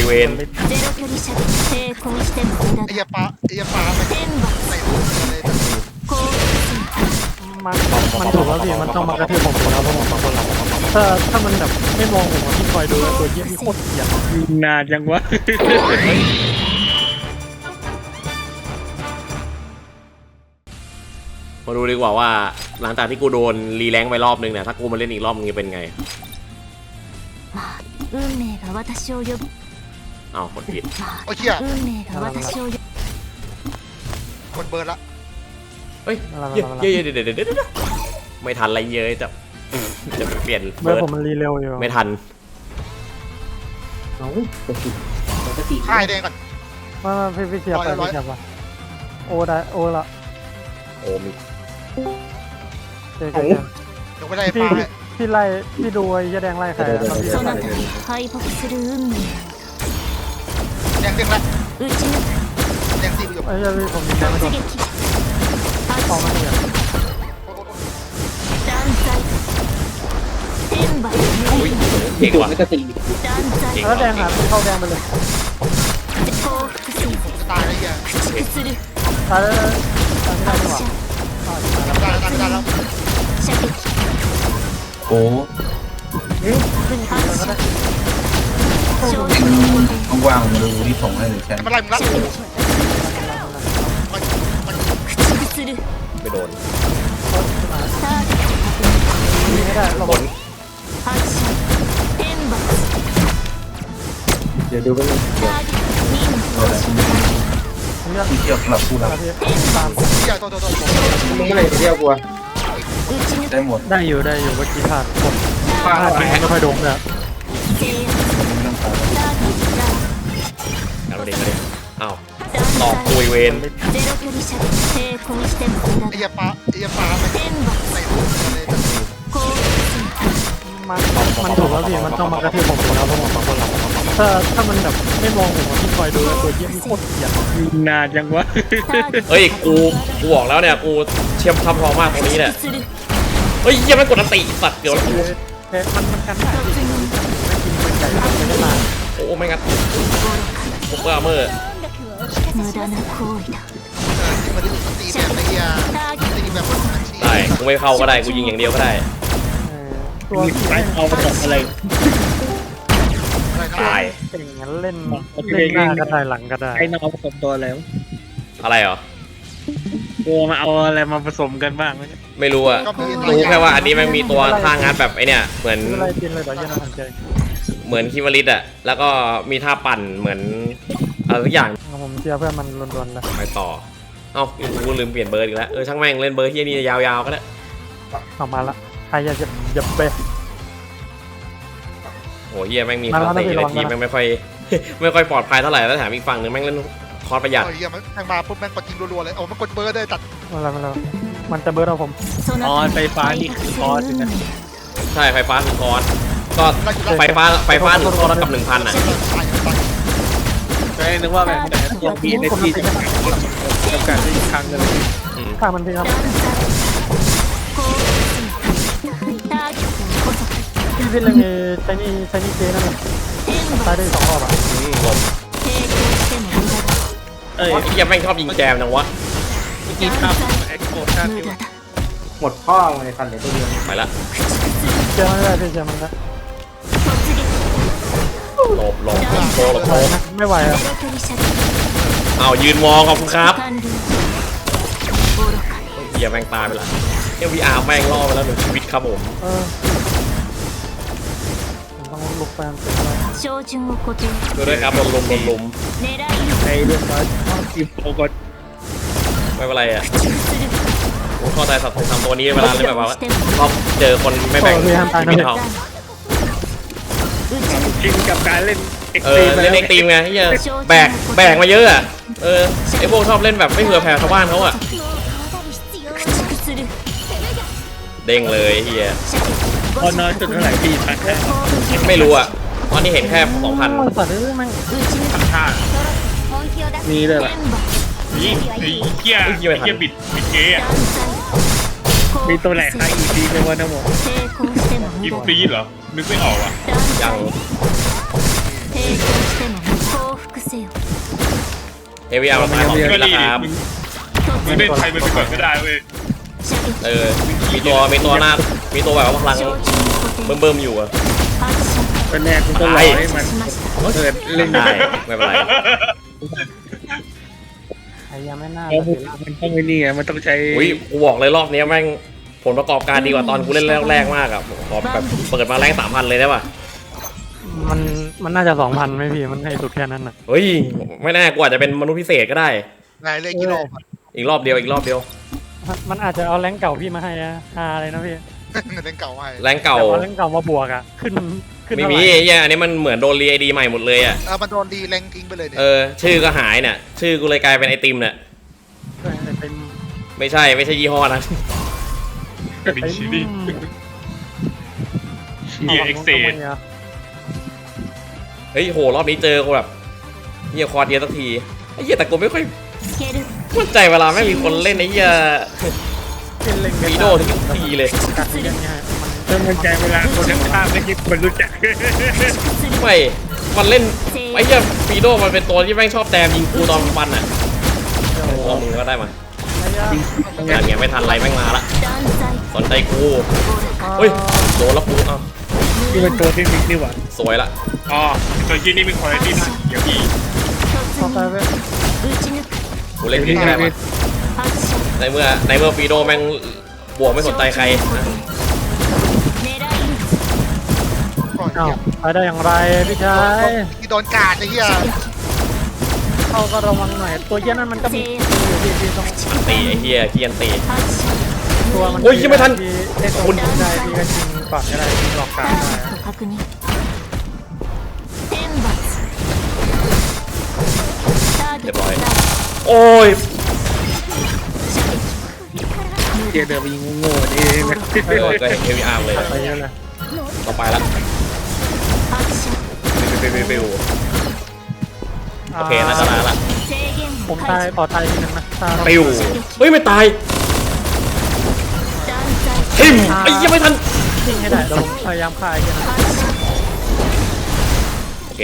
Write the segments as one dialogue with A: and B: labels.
A: เวน
B: ไอ้ยาปลามันใส่หัวเลย
C: มันถูกแล้วพี่มันต้องมากระทืบผมแล้วเพราะผมบางคนเราถ้ามันแบบไม่มองผมที่คอยดูตัวเยี่ยมโคตรเหี้ยนานจังวะ
A: มาดูดีกว่าว่าหลังจากที่กูโดนรีแรงค์ไปรอบนึงเนี่ยถ้ากูมาเล่นอีกรอบนึงจะเป็นไงอ้าวกดผิด
B: โอ้เชี่ยคนเบิร์ดละ
A: เฮ้ยเดี๋ยวไม่ทันอะไรเยอะจะเปลี่ยน
C: เมื่อผมมันรีเร็วอยู่
A: ไม่ทัน
B: ค่ายแดงก่อน
C: มาพี่เชียร์ไปพี่เชียร์ไปโอได้โอละ
A: โอ้มี
C: เจ๊
B: เดี๋ยวไปไล่ปลา
C: พี่ไล่พี่ดูไอ้ยาแดงไล่ใครแล้วพี่
B: แดงเด้งละแดงตีประโยชน์
C: ไอ้ยาพี่ผมยิงไม่โดนออกมาเนี่ย
A: เก่งว่ะ
C: แล้วแดงหาเข้าแดงไปเลย
B: ตายแล้วเหี้ย
C: ตายแล้วตายไม่ได้ดีกว่า
B: ตายแล้ว
D: โอ้
C: วิ่งหาก็ได้
D: ว่างๆมาดูที่ส่งให้หรือแชมป์
B: มันไล่มึงละมัน
A: ไม่โดน
C: วิ่งไม่ได้เรา
A: ผล
D: เดี๋ยวดูไปเลย
C: ผมอยาก
D: ที่เที่ยวสำหรับผู้รับ
C: พี่ตาม
B: เชี่ยโต
D: มึงเมื่อไหร่จะเที่ยวกูได้หมด
C: ได้อยู่เมื่อกี้พลาดไม่ค่อยโดนเลย
A: เอาเด็กอ้าวตอบคุยเวน
B: ไอ้ยาปลามันใส่หัวเลย
C: มันถูกแล้วพี่มันต้องมากระทืบผมแล้วเพราะผมบางคนเราถ้ามันแบบไม่มองผมที่คอยดูตัวเยี่ยมโคตรเหี้ยนานจังวะ
A: เฮ้ยกูบอกแล้วเนี่ยกูเชี่ยมทำทองมากตรงนี้เนี่ยเฮ้ยยังไม่กดอันติสัตว์เดี๋ยวแล้วกู
C: มันกันได้ไม่กินเป็นไก่ไม่ได้มา
A: โอ้ไม่งั้นพวกเมื่อ
B: ที่มันดูตีแบบไอ้ยาตีแบบคนอาชีพ
A: ได้กูไม่เข้าก็ได้กูยิงอย่างเดียวก็ได้
C: ตัวที่
E: เอาไปตกอะไร
A: ตาย
C: เก่งงั้นเล่นหน้าก็ได้หลังก็ได้
E: ไอ้น้องผสมตัวแล้ว
A: อะไรเหรอ
E: ตัวมาเอาอะไรมาผสมกันบ้างไหม
A: ไม่รู้อะรู้แค่ว่าอันนี้มันมีตัวท่างัดแบบไอเนี่ยเหมือน
C: อะไรกินเลยเดี๋ยวยันทันใจ
A: เหมือนคิวริตอะแล้วก็มีท่าปั่นเหมือนอะไรทุกอย่าง
C: ผมเชียร์เพื่อนมันล้วนๆเลย
A: ไปต่อเอ้ากูลืมเปลี่ยนเบอร์อีกแล้วช่างแม่งเล่นเบอร์ที่นี่ยาวๆก็ได้
C: ออกมาละใครอยากจะไป
A: โอ้เฮียแม่งมีคาเตะในทีมแม่งไม่ค่อย ไม่ค่อยปลอดภัยเท่าไหร่แล้วแถมอีกฝั่งนึงแม่งเล่นคอร์สประหยัด
B: ไอ้เหี้ยมันแม่งมาปุ๊บแม่งกดยิงรัวๆเลยโอ้มันกดเบิร์ดได้ตัด
C: มันจะเบิร์ดเอาผม
E: ออนไฟฟ้านี่คือคอร์สนะ
A: ใช่ไฟฟ้าคือคอร์สก็ไฟฟ้าหนึ่งคอร์สกับ 1,000อะ
E: ไม่นึกว่าแบบแต่ตัวพีในที่จะจำกัดได้อีกครั้งหนึ่ง
C: ข้ามันพี่ครับพี่เล่นใช้นี่เจนั่นเลยตายได้2 รอบอ่ะ
A: ลม
E: เอ้ย
A: ไอ้เฮียแม่งชอบยิงแจมจังวะ
E: เมื่อกี้ข้ามเอ็กโคข้ามอยู่
D: หมดพ่อเลยคันเหลือตัวเดียว
A: ไปละ
C: เจมันได้พี่เจมันได้
A: หลบโชว์
C: ไม่ไหวอ่ะ
A: เอายืนมองขอบคุณครับเฮียแม่งตายไปละเอ็มวีอาร์แม่งล่อไปแล้ว1 ชีวิตครับผม
C: ต้องลุกแฟนเป็นไร
A: ดูด้วยครับลุม
E: ในเรื่องว่าทีมโปรก็
A: ไม่เป็นไรอ่ะผมเข้าใจสัตว์ทำตัวนี้เวลาเล่นแบบว่าชอบเจอคนไม่แบ่งชีวิตเขา
E: ชินกับการเล่นเอ็ก
A: เอ
E: ซ์ตรี
A: อ
E: ม
A: เล่นเอ็กซ์ตรีมไงที่จะแบกมาเยอะอ่ะไอพวกชอบเล่นแบบไม่เผื่อแผ่ชาวบ้านเขาอ่ะเด้งเลยเฮีย
E: พอน้อยจนเท่าไหร่ปีพันแค่
A: ไม่รู้อ่ะตอนนี้เห็นแค่2,000
C: แต่นี่แม่ง
E: ท่ามีเลยล่ะ
F: นี่ไอ้เกียร์บิดเจ๊อะ
E: มีตัวไหนใครอีกทีในวันนั้นหมด
F: กินฟรีเหรอนึกไม่ออกอ่ะ
A: ยัง
B: せよ
A: เฮวีอาร์มาตายของ
F: ก็
A: พี่รา
F: ดี
A: คา
F: มันเล่นใครมันไปก่อนก็ได้เว้ย
B: 射撃
A: มีตัวหน้ามีตัวแบบว่าพลัง
B: 照準に固定
A: เบิ่มๆอยู่อะ
B: 発射
E: ก็แน่กูต้องรอให้มัน
B: しました
E: เกิดเล่น
A: ได้
E: ได้
A: ไม่เป็นไร
C: ไอ้ยังไม่น่า
E: แล้วมันต้องไอ้นี่ไงมันต้องใช้
A: อุ้ยกูบอกเลยรอบนี้แม่งผลประกอบการดีกว่าตอนกูเล่นแรกๆมากอะขอแบบเปิดมาแรง3,000เลยได้ป่ะ
C: มันน่าจะ2,000ไหมพี่มันให้สุดแค่นั้นน่ะ
A: เฮ้ยไม่แน่กูอาจจะเป็นมนุษย์พิเศษก็ได้
D: นายเล่นกี่รอบ
A: อีกรอบเดียว
C: มันอาจจะเอาแรงเก่าพี่มาให้นะฮาเลยนะพี่
D: เล่นเก่าให้
A: แรงเก่า
C: แต่เอาแรงเก่ามาบวกอ่ะขึ้น
A: ไม่
C: เท่า
A: มี
C: ไหร่
A: ไอ้เหี้ยอันนี้มันเหมือนโดนรีไอดีใหม่หมดเลยอะ
D: มันโดนดีแรงทิ้งไปเลยเนี่ย
A: ชื่อก็หายเนี่ยชื่อกูเลยกลายเป็นไอติมเนี่ย
C: เป็น
A: ไม่ใช่ยี่ห้อนะ
F: เป็นชีวิต เหี้ย Excel
A: เฮ้ยโหรอบนี้เจอกูแบบเหี้ยคอร์ดเยอะสักทีไอ้เหี้ยแต่กูไม่ค่อย
B: つける
A: มั่นใจเวลาไม่มีคนเล่นไอ้เหี้ย
C: เล่น
A: วีโดทุกทีเลย
C: กัดอย่างเงี้ยมัน
E: ต้องมั่นใจเวลาคนข้างๆไม่คิดมันรู้จัก
A: ไม่มันเล่นไอ้เหี้ยวีโดมันเป็นตัวที่แม่งชอบแตมยิงกูตอนฟันอ่ะลองมึงก็ได้มา งานเงี้ยไม่ทันไรแม่งมาละ
B: 断罪
A: สนใจกูเฮ้ยโดนแล้วกูเอ้า
E: นี่เป็นตัวเทคนิคนี่หว่า
A: สวยละ
F: อ๋อตัวที่นี่เป็นคุณภาพนะเดี๋ยวพี่
B: 突
C: เข้าไป
B: 入
C: ไป
B: 撃ち抜く
A: กูเล่นผิดก็ได้มา
B: 発射
A: ในเมื่อฟีโดแม่งบวกไม่สนใจใครนะ
B: 狙い撃ち
D: ก่อน
C: เอ้าไปได้อย่างไรพี่ชาย
D: ที่โดนกาดไอ้เหี้ย
C: เข้าก็ระวังหน่อยตัวเหี้ยนั่นมันก็มีอยู่ที่ต้อง
A: ตีไอ้เหี้ยเคียนตี
B: 発射
C: ตัวมัน
A: โอ้ยยังไม่ทัน
C: ที่ได้ตัวมันได้พี่ก็ชิงก่อนก็ได้ที่หลอกกลาง
B: ター
C: ได้
B: ゲット確認天罰ターゲットダウン
A: โอ้ย
E: เดี๋ยวเดินไปยิงโง่ๆนี่นะ
A: ก็เห็นเฮวีอาร์เลย
C: ไปเยอะเลย
A: ต่อไปละ
B: 発射
A: ปิวโอเคน่าจะได้ละ
B: 制限
C: ผม
B: を
C: ตาย
B: 解除
C: ต่อตายทีนึงนะตาย
A: ปิวเฮ้ยไม่ตาย
B: 断罪
A: ทิมไอ้ยังไม่ทัน
C: ชิงให้ได้เราพยายามฆ่าไอ้เหี้ยนะ
B: 発射
A: โอเค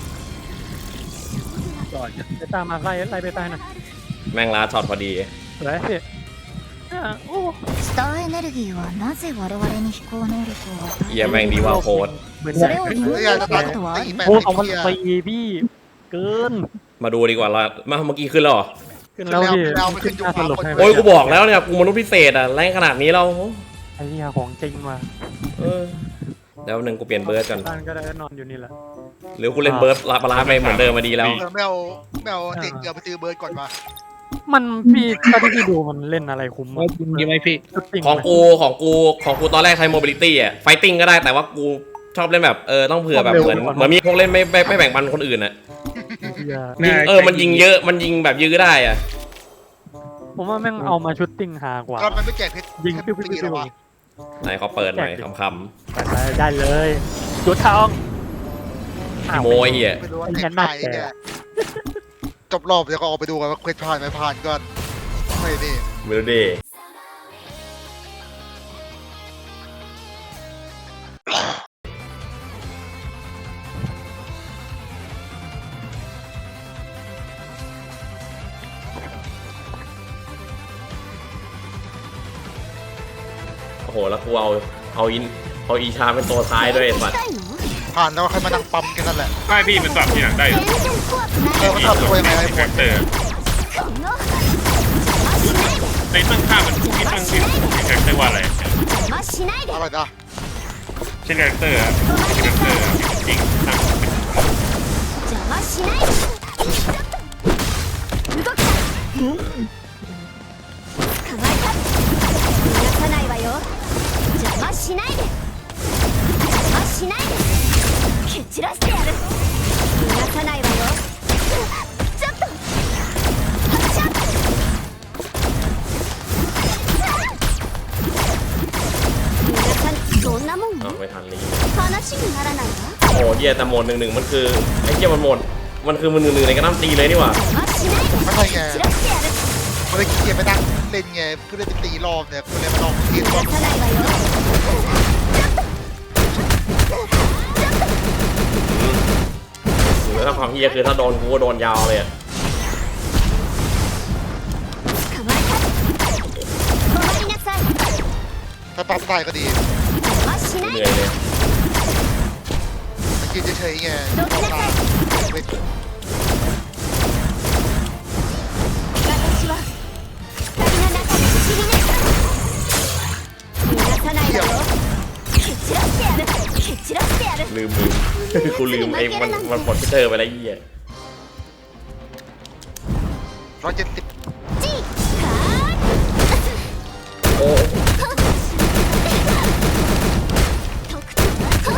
C: ไปตามมาไล่ไปตายหน่อย
A: แม่งลาช็อตพอดี
C: สวยพี่โอ้
B: スターエネルギーはなぜ我々に飛行能力を与
A: เหี้ยแม่งดีว่าโคตร
C: เหมือน
B: えそれを利用
D: เฮ้ย
B: す
D: อาจ
B: る
D: จะ
B: こ
D: ตัด
B: とはあ
D: ตี
B: る
D: แปด
C: โอ้
D: ไอ้
C: ของมัน
D: เหี้ย
C: ตีพี่เกิน
A: มาดูดีกว่าละมาเมื่อกี้ขึ้นแล้วเหรอ
C: ขึ้นแล้วพี่
D: แล้วไม่ขึ้น
C: หน้าสรุปให้
A: โอ้ยกูบอกแล้วเนี่ยกูมนุษย์พิเศษอะแรงขนาดนี้เรา
C: ไอ้เหี้ยของจริงมา
A: เออเดี๋ยวหนึ่งกูเปลี่ยนเบิร์ดก่อน
C: บ้านก็ได้นอนอยู่นี่แหละ
A: หรือกูเล่นเบิร์ดลาปลาไปเหมือนเดิมมาดีแล้ว
D: ไม่เอาเด็กเดี๋ยวไปซื้อเบิร์ดก่อนมา
C: มันพี่ถ้าที่พี่ดูมันเล่นอะไรคุ้ม
E: ว่าจริงยังไงพี่
C: ชุดจริง
A: ของกูตอนแรกใช้ mobility อ่ะ fighting ก็ได้แต่ว่ากูชอบเล่นแบบต้องเผื่อแบบเหมือนมีพวกเล่นไม่แบ่งปันคนอื่นอ่ะ
C: เหี้ย
A: ยิงมันยิงเยอะมันยิงแบบยื้อได้อ่ะ
C: ผมว่าแม่งเอามาชุดติ้งหากว่า
D: ก็มันไม่แจกเพชร
C: ยิง
D: เพช
C: ปิ้ว
D: ร
C: ปิ้ว
D: ตี
C: ปิ้
D: แล้ว
C: ว
D: วะ
A: ไหนเขาเปิดหน่อยคำ
C: ได้เลยจุดทอง
A: ๆพี่โมยเหี้ย
D: ไม่รู้ว่าเพชรไทยเนี่ยจบรอบเดี๋ยวก็ออกไปดูกันว่าเพชรผ่านไม่ผ่านก็ไม่นี่
A: ไม่รู้ดิโอ้โหแล้วกูเอาอีชาเป็นตัวท้ายด้วยไอ้สัตว์
B: たいの
D: ผ่านแล้วใครมานั่งปั๊มกันนั่นแหละ
F: ไม่พี่มันสลับที่หนังได้
B: 全然怖くない
D: มันทำตัวยังไงไอ้พว
F: คาก แรคเตอร์
B: この邪魔しないで
F: ในตั้งค่ามันที่ตั้งชื่อคาแรคเตอร์ว่าอะไร
B: 邪魔しないで
D: อะไรนะ
F: เช่นคาแรคเตอร์คาแรคเตอร์จริงตั้ง
B: 邪魔しないで動くな捕まえた逃がさないわよ邪魔しないで邪魔しないで蹴散らしてやる逃がさないわよちょっと発射逃がさそんなもん
A: อ้าวไม่ทันเลย
B: 話にならないわ
A: โอ้เหี้ยแต่โหมด1-1มันคือไอ้เหี้ยมันคือมัน1-1ในกระน้ำตีเลยนี่หว่า
B: 邪魔しないで
D: ไม่ใช่ไง
B: 散らしてやる
D: มันเลยขี้เกียจไปนั่งเล่นไงเพื่อได้ไปตีรอบเนี่ยกูเลยมาลองทีม
B: 逃
D: ว่า
B: がさないわよ
A: หรือถ้าความเฮียคือถ้าโดนกูก็โดนยาวเลยอะ
B: 捕まえた止まりなさい
D: ถ้าปั๊มตายก็ดี
B: 邪魔しない
A: เห
B: で
A: นื่อยเลย
D: ยืนเฉยๆไงมองตาเว้ย
B: 私は二人の中で不思議ね逃がさないわよ蹴散らしてやる蹴散らしてやる
A: ลืม กูลืมไอ้มันปลดพิเตอร์ไปแล้วไอ้เหี้ย
D: 170
B: チーカー
A: โอ้
B: 特徴は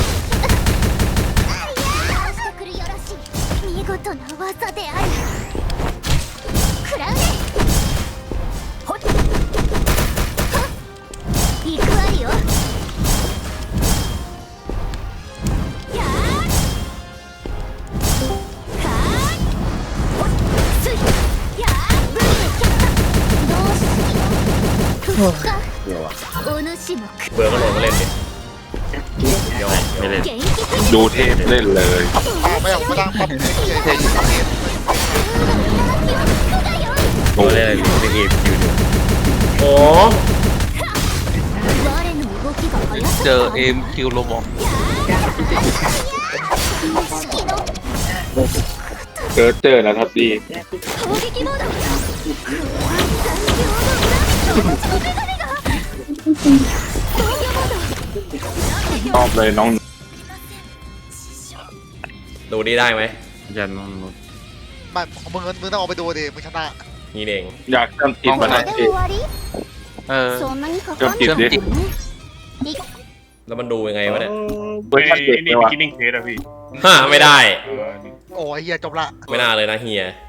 B: してくるよろしい見事な技である食らうねほっはっ行くわよやーかーほっついやーブリでキャッタどうしようふっかお主も
A: เบื่อก็โหลดมาเล่นดิ
E: ไม่เล่น
B: 元気すぎ
E: ดูเทพเล่นเลย
D: ไม่เอาไม่ตั้งปั๊มเฉยๆ
E: ดูเล่นอะไรดูเล่นเอฟคิวอยู่
A: โอ้
B: 我の動きが速すぎた
E: เจอเอ็มคิวโรบอก
B: 式の
E: เจอแล้วครับดี
B: 攻撃モード残業の裏持ちのメガネが防御モード
E: ชอบเลยน้อง
A: ดูดีได้ไหม
E: ยันน้อง
D: ไม่มึงต้องออกไปดูดิมึงชนะ
A: นี่เอง
E: อยากจำติด
B: こ
E: มา
B: れ
E: ได้
B: で終わり
E: เออ
B: そんなにかかん
E: จำติดดิ
B: 理
A: แล้วมันดูยังไงวะเนี่ย
E: เวอร์ชันเด็ก
F: นี่
E: เลย
F: บิ
E: ว่ะ
F: กินิ่งเทสอะพี่
A: ฮ่าไม่ได้
D: โอ้ยเฮียจบละ
A: ไม่น่าเลยนะเฮีย